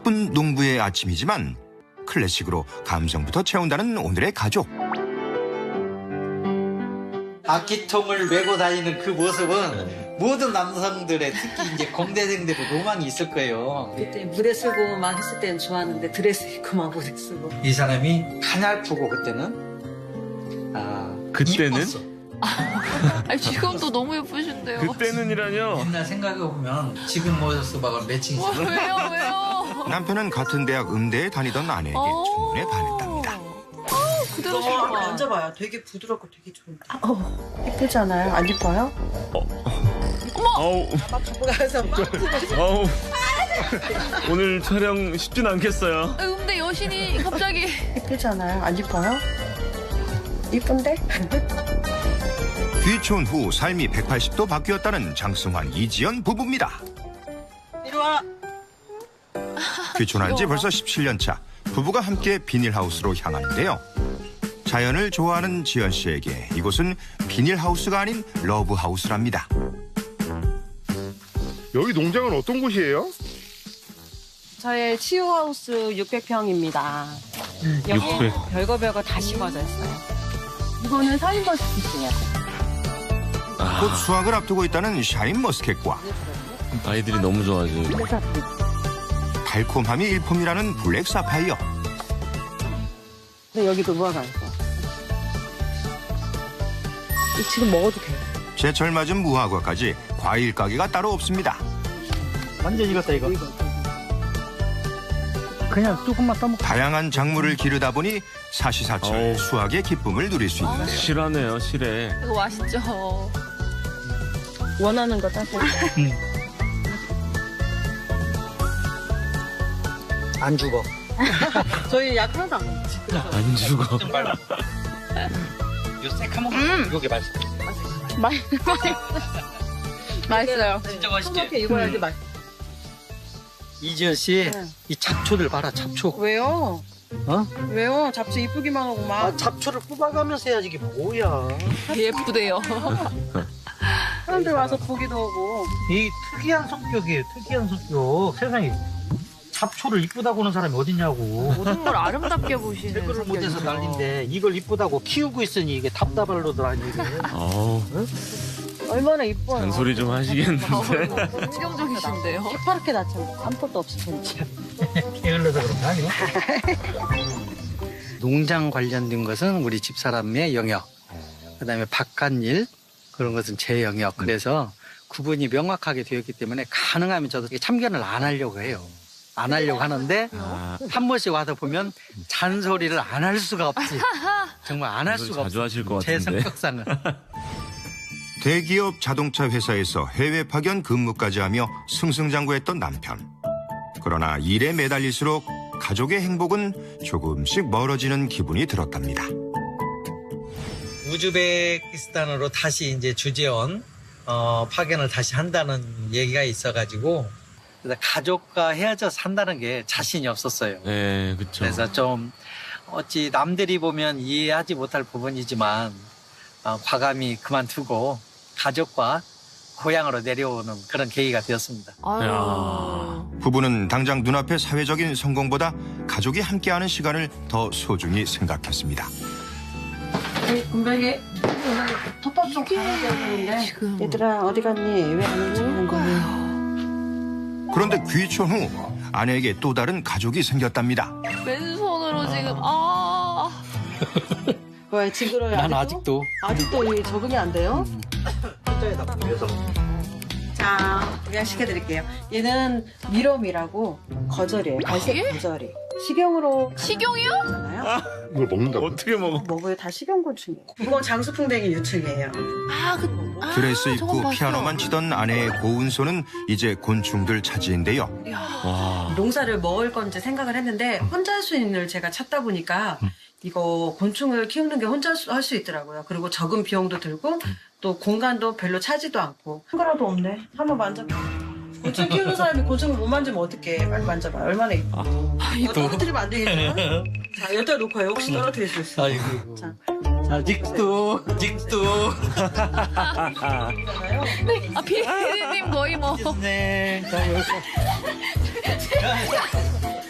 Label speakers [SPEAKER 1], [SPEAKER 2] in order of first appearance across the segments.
[SPEAKER 1] 바쁜 농부의 아침이지만 클래식으로 감성부터 채운다는 오늘의 가족.
[SPEAKER 2] 악기통을 메고 다니는 그 모습은 모든 남성들의 특히 이제 공대생들의 로망이 있을 거예요.
[SPEAKER 3] 그때 무대 쓰고만 했을 때는 좋았는데 드레스 입고만 무대 쓰고.
[SPEAKER 2] 이 사람이 가냘프고 그때는 이뻤어.
[SPEAKER 4] 아니, 지금도 너무 예쁘신데요.
[SPEAKER 5] 그때는이라뇨.
[SPEAKER 2] 옛날 생각해보면 지금 모습하고 매칭이
[SPEAKER 4] 와, 왜요?
[SPEAKER 1] 남편은 같은 대학 음대에 다니던 아내에게 첫눈에 반했답니다.
[SPEAKER 4] 그대로 좋아.
[SPEAKER 3] 만져봐요. 되게 부드럽고 되게 좋은데. 예쁘지 않아요? 안 예뻐요?
[SPEAKER 5] 아우, 아우. 오늘 촬영 쉽진 않겠어요.
[SPEAKER 4] 근데 여신이 갑자기.
[SPEAKER 3] 예쁘지 않아요? 안 예뻐요? 예쁜데?
[SPEAKER 1] 귀촌 후 삶이 180도 바뀌었다는 장승환, 이지연 부부입니다.
[SPEAKER 3] 이리 와.
[SPEAKER 1] 귀촌한 지 벌써 17년 차. 부부가 함께 비닐하우스로 향하는데요. 자연을 좋아하는 지연 씨에게 이곳은 비닐하우스가 아닌 러브하우스랍니다.
[SPEAKER 6] 여기 농장은 어떤 곳이에요?
[SPEAKER 3] 저의 치유하우스 600평입니다. 여기
[SPEAKER 5] 600.
[SPEAKER 3] 별거 다 심어져 있어요. 이거는 샤인머스켓이에요.
[SPEAKER 1] 곧 수확을 앞두고 있다는 샤인머스켓과
[SPEAKER 5] 아이들이 너무 좋아하지.
[SPEAKER 1] 달콤함이 일품이라는 블랙 사파이어.
[SPEAKER 3] 근데 여기도 무화과 있어. 지금 먹어도 돼요.
[SPEAKER 1] 제철 맞은 무화과까지 과일 가게가 따로 없습니다.
[SPEAKER 2] 완전 익었다 이거. 그냥 조금만 떠먹고.
[SPEAKER 1] 다양한 작물을 기르다 보니 사시사철
[SPEAKER 5] 어우.
[SPEAKER 1] 수확의 기쁨을 누릴 수 있는데요.
[SPEAKER 5] 실하네요, 실해.
[SPEAKER 4] 이거 맛있죠.
[SPEAKER 3] 원하는 거 따서.
[SPEAKER 2] 안 죽어.
[SPEAKER 3] 저희 약 하나도 안 먹지.
[SPEAKER 5] 안 죽어.
[SPEAKER 2] 요 새카만 요게 맛있어.
[SPEAKER 4] 맛있어요.
[SPEAKER 2] 진짜 맛있지?
[SPEAKER 3] 이렇게 익어야지 맛있어.
[SPEAKER 2] 이지연 씨,
[SPEAKER 3] 네.
[SPEAKER 2] 이 잡초들 봐라, 잡초.
[SPEAKER 3] 왜요?
[SPEAKER 2] 어?
[SPEAKER 3] 왜요? 잡초 이쁘기만 하고 막.
[SPEAKER 2] 잡초를 뽑아가면서 해야지 이게 뭐야.
[SPEAKER 4] 예쁘대요.
[SPEAKER 3] 사람들 와서 보기도 하고.
[SPEAKER 2] 이 특이한 성격이에요, 특이한 성격. 세상에 잡초를 이쁘다고 하는 사람이 어딨냐고.
[SPEAKER 4] 모든 걸 아름답게 보시는
[SPEAKER 2] 댓글을 못해서
[SPEAKER 4] 성격이죠.
[SPEAKER 2] 난린데 이걸 이쁘다고 키우고 있으니 이게 답답할로들 아니고.
[SPEAKER 5] 아우,
[SPEAKER 3] 얼마나 이뻐요.
[SPEAKER 5] 잔소리 좀 하시겠는데.
[SPEAKER 4] 긍정적이신데요.
[SPEAKER 3] 새파랗게 났잖아. 아무것도 없이 진짜.
[SPEAKER 2] 게을러서 그런 거 아니야? 농장 관련된 것은 우리 집사람의 영역, 그다음에 바깥일 그런 것은 제 영역. 그래서 구분이 명확하게 되었기 때문에 가능하면 저도 참견을 안 하려고 해요. 안 하려고 하는데
[SPEAKER 5] 아,
[SPEAKER 2] 한 번씩 와서 보면 잔소리를 안 할 수가 없지. 정말 안 할 수가
[SPEAKER 5] 자주
[SPEAKER 2] 없어.
[SPEAKER 5] 하실 것
[SPEAKER 2] 제
[SPEAKER 5] 같은데.
[SPEAKER 2] 성격상은.
[SPEAKER 1] 대기업 자동차 회사에서 해외 파견 근무까지 하며 승승장구했던 남편. 그러나 일에 매달릴수록 가족의 행복은 조금씩 멀어지는 기분이 들었답니다.
[SPEAKER 2] 우즈베키스탄으로 다시 이제 주재원 파견을 다시 한다는 얘기가 있어가지고 그래서 가족과 헤어져 산다는 게 자신이 없었어요.
[SPEAKER 5] 네, 그쵸.
[SPEAKER 2] 그래서 좀 어찌 남들이 보면 이해하지 못할 부분이지만 과감히 그만두고 가족과 고향으로 내려오는 그런 계기가 되었습니다.
[SPEAKER 4] 아유.
[SPEAKER 1] 부부는 당장 눈앞의 사회적인 성공보다 가족이 함께하는 시간을 더 소중히 생각했습니다.
[SPEAKER 3] 금방에 톱밥 좀 가야 되는데.
[SPEAKER 4] 지금.
[SPEAKER 3] 얘들아 어디 갔니? 왜 안 오는 거야?
[SPEAKER 1] 그런데 귀촌 후 아내에게 또 다른 가족이 생겼답니다.
[SPEAKER 4] 맨손으로 지금
[SPEAKER 3] 왜 징그러요?
[SPEAKER 2] 난 아직도
[SPEAKER 3] 아직도 이게 적응이 안 돼요?
[SPEAKER 2] 혼자에다 보여서
[SPEAKER 3] 자, 소개시켜드릴게요. 얘는 미럼이라고 거절이에요. 갈색
[SPEAKER 4] 예?
[SPEAKER 3] 거절이. 식용으로
[SPEAKER 4] 식용이요?
[SPEAKER 3] 하잖아요.
[SPEAKER 6] 이걸 먹는다고?
[SPEAKER 5] 어떻게 먹어?
[SPEAKER 3] 먹어요. 다 식용곤충이에요. 이건 장수풍뎅이 유충이에요.
[SPEAKER 1] 드레스
[SPEAKER 4] 저건
[SPEAKER 1] 입고
[SPEAKER 4] 봤어요.
[SPEAKER 1] 피아노만 치던 아내의 고운 손은 이제 곤충들 차지인데요.
[SPEAKER 5] 와.
[SPEAKER 3] 농사를 먹을 건지 생각을 했는데 혼자 할 수 있는 일 제가 찾다 보니까 이거 곤충을 키우는 게 혼자 할 수 있더라고요. 그리고 적은 비용도 들고 또 공간도 별로 차지도 않고. 한 거라도 없네. 한번 만져봐. 곤충 키우는 사람이 곤충을 못 만지면 어떡해. 빨리 만져봐. 얼마나 이뻐. 이거 떨어뜨리면 안 되겠죠? 자, 여기다 놓고요. 혹시 떨어뜨릴 수 있어요.
[SPEAKER 2] 아이고.
[SPEAKER 3] 자.
[SPEAKER 2] 자, 직도.
[SPEAKER 4] 피디님 거의 뭐.
[SPEAKER 2] 네.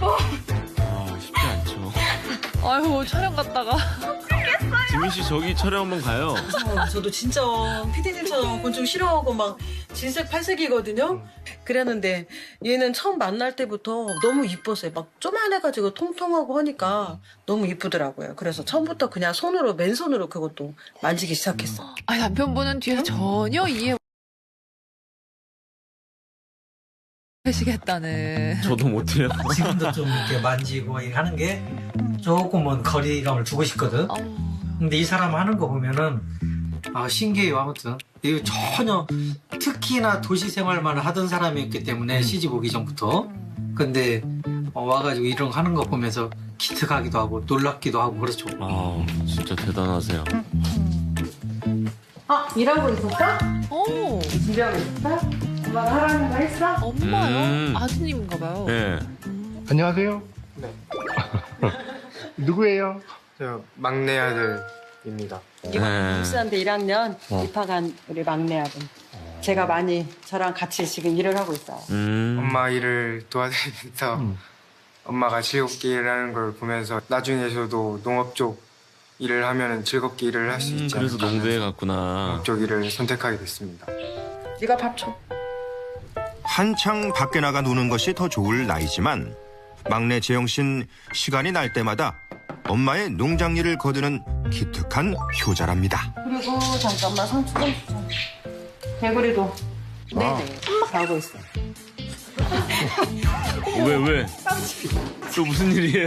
[SPEAKER 5] 아, 쉽지 않죠.
[SPEAKER 4] 아유, 촬영 갔다가.
[SPEAKER 5] 지민 씨 저기 촬영 한번 가요.
[SPEAKER 3] 저도 진짜 피디님처럼 곤충 싫어하고 막 진색 팔색이거든요. 그랬는데 얘는 처음 만날 때부터 너무 이뻤어요. 막 쪼만해가지고 통통하고 하니까 너무 이쁘더라고요. 그래서 처음부터 그냥 손으로 맨손으로 그것도 만지기 시작했어.
[SPEAKER 4] 아, 남편분은 뒤에서 전혀 이해 하시겠다는.
[SPEAKER 5] 저도 못해요.
[SPEAKER 2] 지금도 좀 이렇게 만지고 하는 게 조금은 거리감을 두고 싶거든. 근데 이 사람 하는 거 보면은 신기해요. 아무튼 이거 전혀 특히나 도시 생활만 하던 사람이었기 때문에 시집 오기 전부터. 근데 와가지고 이런 거 하는 거 보면서 기특하기도 하고 놀랍기도 하고 그렇죠.
[SPEAKER 5] 아, 진짜 대단하세요.
[SPEAKER 3] 일하고 있었어?
[SPEAKER 4] 오,
[SPEAKER 3] 일하고 있었어? 엄마가 하라는 거 했어?
[SPEAKER 4] 엄마요? 아드님인가 봐요.
[SPEAKER 5] 네.
[SPEAKER 6] 안녕하세요.
[SPEAKER 7] 네.
[SPEAKER 6] 누구예요?
[SPEAKER 7] 저 막내 아들입니다.
[SPEAKER 5] 네.
[SPEAKER 3] 입사한테 1학년 입학한 우리 막내 아들. 제가 많이 저랑 같이 지금 일을 하고 있어요.
[SPEAKER 7] 엄마 일을 도와드리면서 엄마가 즐겁게 일하는 걸 보면서 나중에 저도 농업 쪽 일을 하면 즐겁게 일을 할 수 있지
[SPEAKER 5] 그래서
[SPEAKER 7] 않을까
[SPEAKER 5] 농부에
[SPEAKER 7] 하면서
[SPEAKER 5] 갔구나.
[SPEAKER 7] 농업 쪽 일을 선택하게 됐습니다.
[SPEAKER 3] 네가 밥 줘.
[SPEAKER 1] 한창 밖에 나가 노는 것이 더 좋을 나이지만 막내 재영 씨는 시간이 날 때마다 엄마의 농장 일을 거두는 기특한 효자랍니다.
[SPEAKER 3] 그리고 잠깐만 상추 좀 주자. 개구리도. 네네. 하고 있어.
[SPEAKER 5] 왜? 또 무슨 일이에요?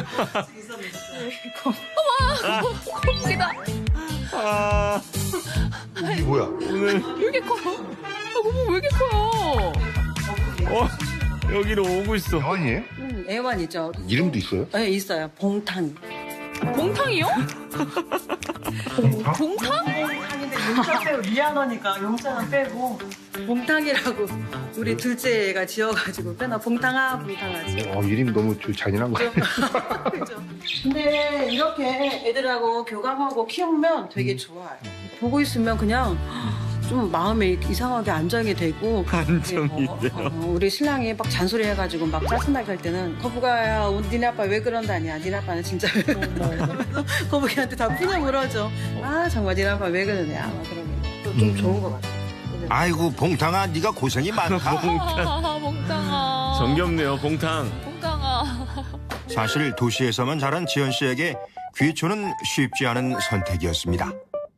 [SPEAKER 4] 거북이다.
[SPEAKER 5] 아,
[SPEAKER 6] 뭐야?
[SPEAKER 5] 오늘
[SPEAKER 4] 왜 이렇게 커요? 거북이 왜 이렇게 커요?
[SPEAKER 5] 여기로 오고 있어.
[SPEAKER 6] 아니에요?
[SPEAKER 3] 애완이죠.
[SPEAKER 6] 이름도 있어요?
[SPEAKER 3] 네, 있어요. 봉탕.
[SPEAKER 4] 봉탕이요? 봉탕?
[SPEAKER 3] 봉탕인데 용자 빼고 미안하니까 용자는 빼고 봉탕이라고 우리 둘째 애가 지어가지고 빼나 봉탕아 봉탕하지.
[SPEAKER 6] 이름 너무 잔인한 거 같아요.
[SPEAKER 3] 그죠? 근데 이렇게 애들하고 교감하고 키우면 되게 좋아요. 보고 있으면 그냥 좀 마음이 이상하게 안정이 되고.
[SPEAKER 5] 안정이 돼요.
[SPEAKER 3] 우리 신랑이 막 잔소리 해가지고 막 짜증나게 할 때는 거북아야 니네 아빠 왜 그런다냐. 니네 아빠는 진짜 거북이한테 다 푸냐 물어줘. 아 정말 니네 아빠 왜 그러냐. 막 그러면 좀 좋은 것 같아요.
[SPEAKER 1] 아이고 봉탕아 네가 고생이 많다.
[SPEAKER 4] 봉탕아.
[SPEAKER 5] 정겹네요, 봉탕.
[SPEAKER 4] 봉탕아.
[SPEAKER 1] 사실 도시에서만 자란 지연 씨에게 귀초는 쉽지 않은 선택이었습니다.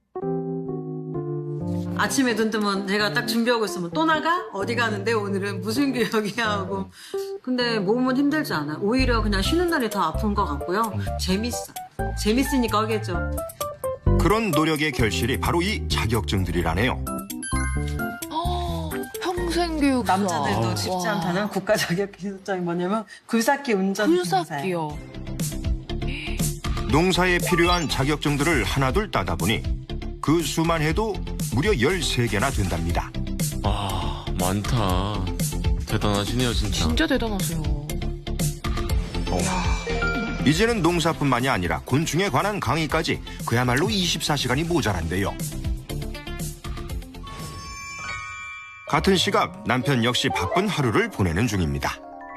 [SPEAKER 3] 아침에 눈 뜨면 제가 딱 준비하고 있으면 또 나가? 어디 가는데 오늘은 무슨 교육이야 하고. 근데 몸은 힘들지 않아. 오히려 그냥 쉬는 날이 더 아픈 것 같고요. 재밌어. 재밌으니까 하겠죠.
[SPEAKER 1] 그런 노력의 결실이 바로 이 자격증들이라네요.
[SPEAKER 4] 평생교육
[SPEAKER 3] 남자들도 쉽지 않다는 국가 자격 기술장이 뭐냐면 굴삭기 운전 기사예요.
[SPEAKER 4] 굴삭기요.
[SPEAKER 1] 농사에 필요한 자격증들을 하나둘 따다 보니 그 수만 해도 무려 13개나 된답니다.
[SPEAKER 5] 아, 많다. 대단하시네요, 진짜.
[SPEAKER 4] 진짜 대단하세요.
[SPEAKER 1] 이제는 농사뿐만이 아니라 곤충에 관한 강의까지 그야말로 24시간이 모자란데요. 같은 시각 남편 역시 바쁜 하루를 보내는 중입니다.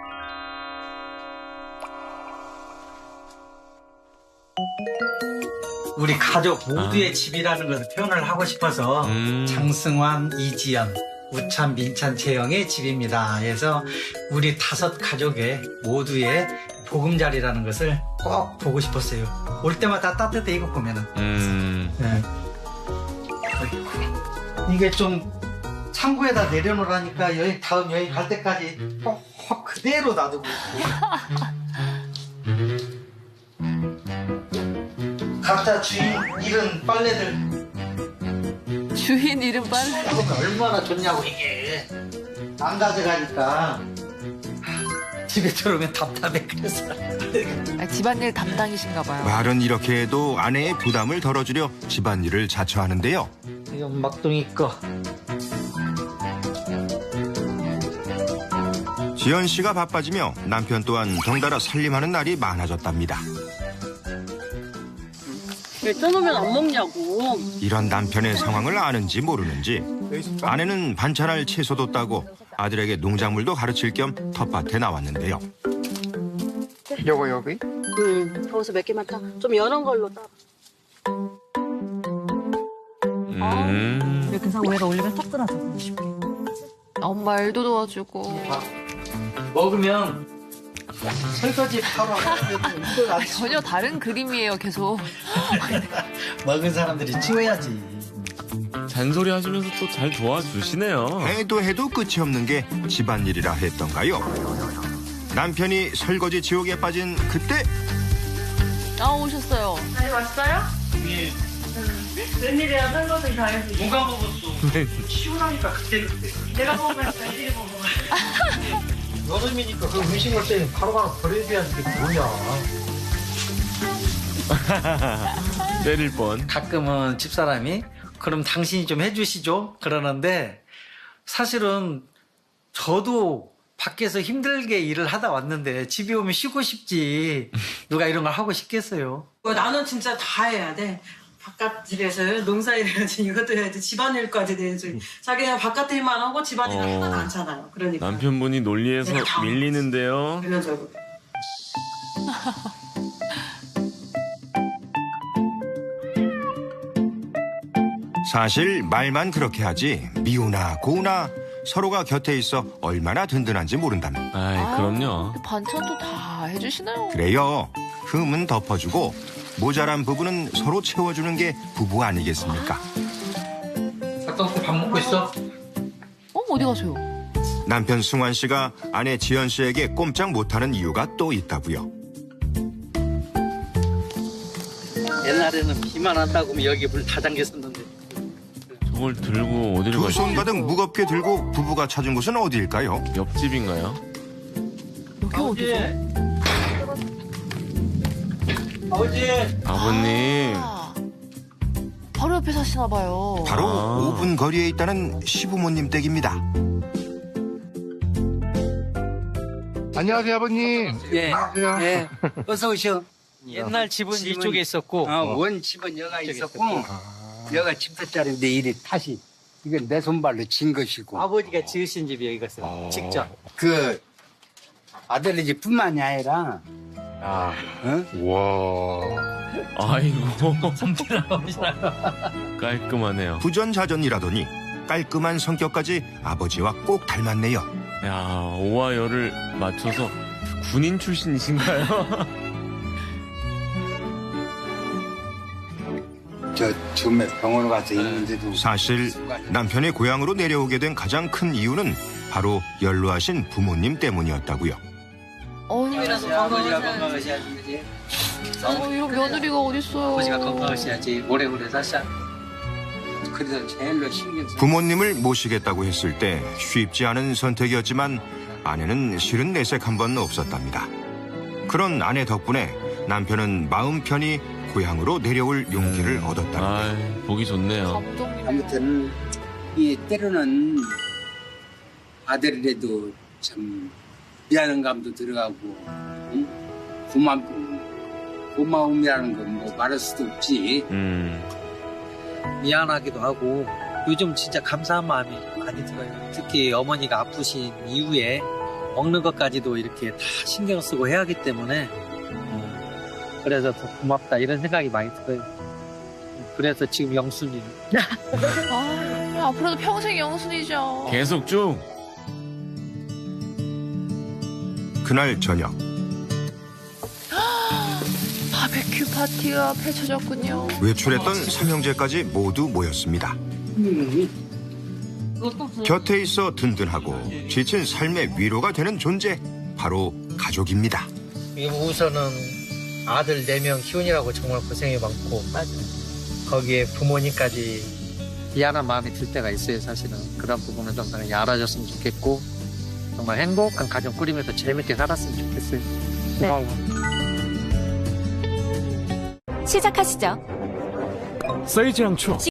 [SPEAKER 2] 우리 가족 모두의 집이라는 것을 표현을 하고 싶어서 장승환, 이지연, 우찬, 민찬, 재영의 집입니다. 그래서 우리 5 가족의 모두의 보금자리라는 것을 꼭 보고 싶었어요. 올 때마다 따뜻해 이거 보면은. 네. 이게 좀 창고에다 내려놓으라니까 다음 여행 갈 때까지 꼭 그대로 놔두고 있고. 각자 주인 잃은 빨래들
[SPEAKER 4] 주인 이름 빨래.
[SPEAKER 2] 그러면 얼마나 좋냐고 이게. 안 가져가니까 집에 들어오면 답답해. 그래서
[SPEAKER 4] 집안일 담당이신가 봐요.
[SPEAKER 1] 말은 이렇게 해도 아내의 부담을 덜어주려 집안일을 자처하는데요.
[SPEAKER 2] 이건 막둥이 거.
[SPEAKER 1] 지연 씨가 바빠지며 남편 또한 덩달아 살림하는 날이 많아졌답니다.
[SPEAKER 3] 왜 떠놓으면 안 먹냐고.
[SPEAKER 1] 이런 남편의 상황을 아는지 모르는지 아내는 반찬할 채소도 따고 아들에게 농작물도 가르칠 겸 텃밭에 나왔는데요.
[SPEAKER 7] 요거 여기?
[SPEAKER 8] 거기서 몇 개만 타. 좀 연한 걸로 따.
[SPEAKER 3] 이렇게 해서 위에다 올리면 딱 끊어져.
[SPEAKER 4] 엄마 일도 도와주고.
[SPEAKER 2] 먹으면 설거지 바로 이걸 안
[SPEAKER 4] 전혀 다른 그림이에요, 계속.
[SPEAKER 2] 먹은 사람들이 치워야지.
[SPEAKER 5] 잔소리 하시면서 또 잘 도와주시네요.
[SPEAKER 1] 해도 끝이 없는 게 집안일이라 했던가요? 남편이 설거지 지옥에 빠진 그때
[SPEAKER 4] 아, 오셨어요.
[SPEAKER 3] 웬일이야 설거지 다 해서.
[SPEAKER 2] 뭐가 먹었어? 시원하니까 그때.
[SPEAKER 3] 내가 먹으면 웬일이 먹어.
[SPEAKER 2] 여름이니까 그 음식 올 때 바로바로 버려야 되는 게 뭐냐.
[SPEAKER 5] 때릴 뻔.
[SPEAKER 2] 가끔은 집사람이 그럼 당신이 좀 해주시죠 그러는데 사실은 저도 밖에서 힘들게 일을 하다 왔는데 집에 오면 쉬고 싶지 누가 이런 걸 하고 싶겠어요.
[SPEAKER 3] 나는 진짜 다 해야 돼. 바깥일에서 농사일 해야지, 이것도 해야지, 집안일까지 해야지. 자기가 바깥 일만 하고 집안일은 하나도 안 차나요. 그러니까.
[SPEAKER 5] 남편분이 논리에서
[SPEAKER 3] 내가 다
[SPEAKER 5] 밀리는데요.
[SPEAKER 3] 일반적으로.
[SPEAKER 1] 사실 말만 그렇게 하지 미우나 고우나 서로가 곁에 있어 얼마나 든든한지 모른답니다.
[SPEAKER 5] 아이, 그럼요.
[SPEAKER 4] 반찬도 다 해주시나요?
[SPEAKER 1] 그래요. 흠은 덮어주고 모자란 부분은 서로 채워주는 게 부부 아니겠습니까?
[SPEAKER 2] 갔다 올 때 밥 먹고 있어?
[SPEAKER 4] 어디 가세요?
[SPEAKER 1] 남편 승환 씨가 아내 지연 씨에게 꼼짝 못하는 이유가 또 있다고요.
[SPEAKER 2] 옛날에는 비만 왔다고 하면 여기 물 다 잠겼었는데
[SPEAKER 5] 저걸 들고 어디를
[SPEAKER 1] 두
[SPEAKER 5] 가시죠?
[SPEAKER 1] 손 가득 무겁게 들고 부부가 찾은 곳은 어디일까요?
[SPEAKER 5] 옆집인가요?
[SPEAKER 4] 여기 어디죠?
[SPEAKER 2] 아버지
[SPEAKER 5] 아버님.
[SPEAKER 4] 아, 바로 옆에 사시나 봐요.
[SPEAKER 1] 바로
[SPEAKER 5] 아.
[SPEAKER 1] 5분 거리에 있다는 시부모님 댁입니다.
[SPEAKER 6] 안녕하세요, 아버님.
[SPEAKER 9] 예,
[SPEAKER 6] 안녕하세요.
[SPEAKER 9] 예. 어서 오셔.
[SPEAKER 2] 옛날 집은 이쪽에 있었고
[SPEAKER 9] 원 집은 여가
[SPEAKER 2] 이쪽에
[SPEAKER 9] 있었고, 여가 집터짜리인데 이리 다시, 이건 내 손발로 진 것이고.
[SPEAKER 2] 아버지가 지으신 집이 여기 갔어요. 직접.
[SPEAKER 9] 그, 아들네 집뿐만이 아니라,
[SPEAKER 6] 아,
[SPEAKER 9] 어?
[SPEAKER 6] 와.
[SPEAKER 5] 아이고. 깔끔하네요.
[SPEAKER 1] 부전자전이라더니 깔끔한 성격까지 아버지와 꼭 닮았네요.
[SPEAKER 5] 야, 오와 열을 맞춰서 군인 출신이신가요?
[SPEAKER 9] 저 처음에 병원 가서 있는데도.
[SPEAKER 1] 사실 남편의 고향으로 내려오게 된 가장 큰 이유는 바로 연로하신 부모님 때문이었다고요.
[SPEAKER 2] 아버지가 건강하셔야지 그지?
[SPEAKER 4] 이런 며느리가 어딨어요.
[SPEAKER 2] 아버지가 건강하셔야지 오래오래 사셔.
[SPEAKER 9] 그래서 제일로 신경 써.
[SPEAKER 1] 부모님을 모시겠다고 했을 때 쉽지 않은 선택이었지만 아내는 실은 내색 한 번 없었답니다. 그런 아내 덕분에 남편은 마음 편히 고향으로 내려올 용기를 얻었다는데
[SPEAKER 5] 아이, 보기 좋네요.
[SPEAKER 4] 감독님.
[SPEAKER 9] 아무튼, 이 때로는 아들이라도 참 미안한 감도 들어가고, 응? 고마움이라는 건 뭐 말할 수도 없지.
[SPEAKER 2] 미안하기도 하고 요즘 진짜 감사한 마음이 많이 들어요. 특히 어머니가 아프신 이후에 먹는 것까지도 이렇게 다 신경 쓰고 해야 하기 때문에 그래서 더 고맙다 이런 생각이 많이 들어요. 그래서 지금 영순이
[SPEAKER 4] 아, 앞으로도 평생 영순이죠.
[SPEAKER 5] 계속 쭉.
[SPEAKER 1] 그날 저녁
[SPEAKER 4] 바베큐 파티가 펼쳐졌군요.
[SPEAKER 1] 외출했던 삼형제까지 모두 모였습니다. 곁에 있어 든든하고 지친 삶의 위로가 되는 존재 바로 가족입니다.
[SPEAKER 2] 우선은 아들 4명 키우느라고 정말 고생이 많고 거기에 부모님까지 미안한 마음이 들 때가 있어요. 사실은 그런 부분은 좀 당연히 알아줬으면 좋겠고 정말 행복한 가정 꾸리면서 재밌게 살았으면 좋겠어요.
[SPEAKER 10] 시작하시죠.
[SPEAKER 11] 쌓이지 않죠.